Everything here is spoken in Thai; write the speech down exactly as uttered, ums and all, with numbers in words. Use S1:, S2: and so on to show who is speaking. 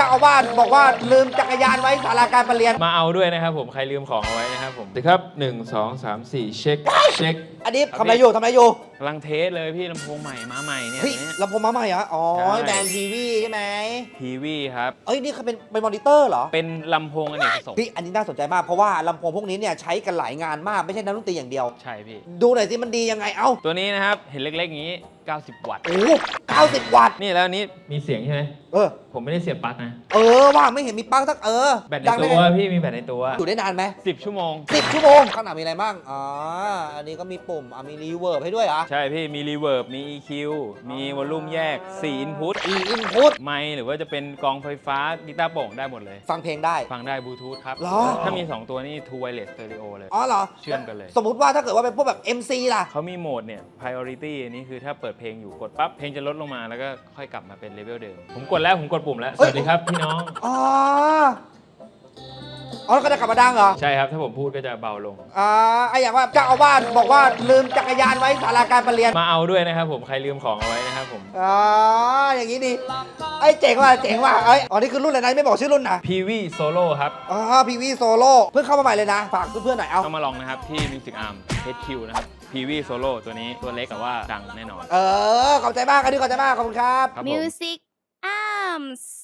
S1: จ้าอาวาสบอกว่าลืมจักรยานไว้ศาลาการประเรียน
S2: มาเอาด้วยนะครับผมใครลืมของเอาไว้นะครับผมครับหนึ่งสองสามสี่เช็คเช็ค
S1: อันนี้ทำอะไรอยู่ทำอะไรอยู่
S2: กำลังเทสเลยพี่ลำโพงใหม่มาใหม่เนี่ย
S1: เฮ้ยลำโพงมาใหม่เหรออ๋อแบรนด์ทีวีใช่ไหม
S2: ทีวีครับ
S1: เอ้ยนี่เขาเป็นเป็นมอนิเตอร์เหรอ
S2: เป็นลำโพงอเนกประสงค์
S1: พี่อันนี้น่าสนใจมากเพราะว่าลำโพงพวกนี้เนี่ยใช้กันหลายงานมากไม่ใช่นักดนตรีอย่างเดียว
S2: ใช่พี่
S1: ดูหน่อยสิมันดียังไงเอ้า
S2: ตัวนี้นะครับเห็นเล็กๆอย่างนี้เก้าสิบวัตต์
S1: โอ้เก้าสิบวัตต์
S2: นี่แล้วนี้มีเสียงใช่ไหม
S1: เออ
S2: ผมไม่ได้เสียบปลั๊กนะ
S1: เออว่าไม่เห็นมีปลั๊กสักเออ
S2: แบตในตัวพี่มีแบตในตัว
S1: อยู่ได้นานไหม
S2: สิบชั่วโมง
S1: สิบชั่วโมงข้างหน้ามีอะไรบ้างอ๋ออันนี้ก็มีปุ่มอ่ะมีรีเวิร์บให้ด้วยเหรอ
S2: ใช่พี่มีรีเวิร์บมี อี คิว มีวอลลุ่มแยกสี่อินพุต
S1: อีอินพุต
S2: ไมค์หรือว่าจะเป็นกองไฟฟ้ากีตาร์โปร่งได้หมดเลย
S1: ฟังเพลงได้
S2: ฟังได้บลูทูธครับถ้ามีสองตัวนี่ Two Wireless Stereo เลย
S1: อ๋อเหรอ
S2: เชื่อมกันเลย
S1: สมมุติว่าถ้าเกิดว่าเป็นพวกแบบ เอ็ม ซี ล่ะ
S2: เขามีโหมดเนี่ย priority นี่คือถ้าเปิดเพลงอยู่กดปั๊บเพลงจะลดลงมาแล้วก็ค่อยกลับมาเป็นเลเวลเดิมผมกดแล้วผมกดปุ่มแล้วสวัสดีครับพี่น้อง
S1: อ๋ออ๋อก็จะกลับมาดังเหรอ
S2: ใช่ครับถ้าผมพูดก็จะเบาลง
S1: อ่าไออย่างว่าเจ้าอาวาสบอกว่าลืมจักรยานไว้ศาลาการประเรียน
S2: มาเอาด้วยนะครับผมใครลืมของเอาไว้นะครับผม
S1: อ๋ออย่างนี้ดีไอเจ๋งว่ะเจ๋งว่ะไออ๋อนี่คือรุ่นอะไรนะไม่บอกชื่อรุ่นนะ
S2: พี วี Solo ครับ
S1: อ๋อ พี วี Solo เพิ่งเข้ามาใหม่เลยนะฝากเพื่อนๆหน่อยเอา
S2: ต้องมาลองนะครับที่ Music Arm เอช คิว นะครับ พี วี Solo ตัวนี้ตัวเล็กแต่ว่าดังแน่นอน
S1: เออขอบใจมากอันนี้ขอบใจมากขอบคุณครับ
S3: Music Arms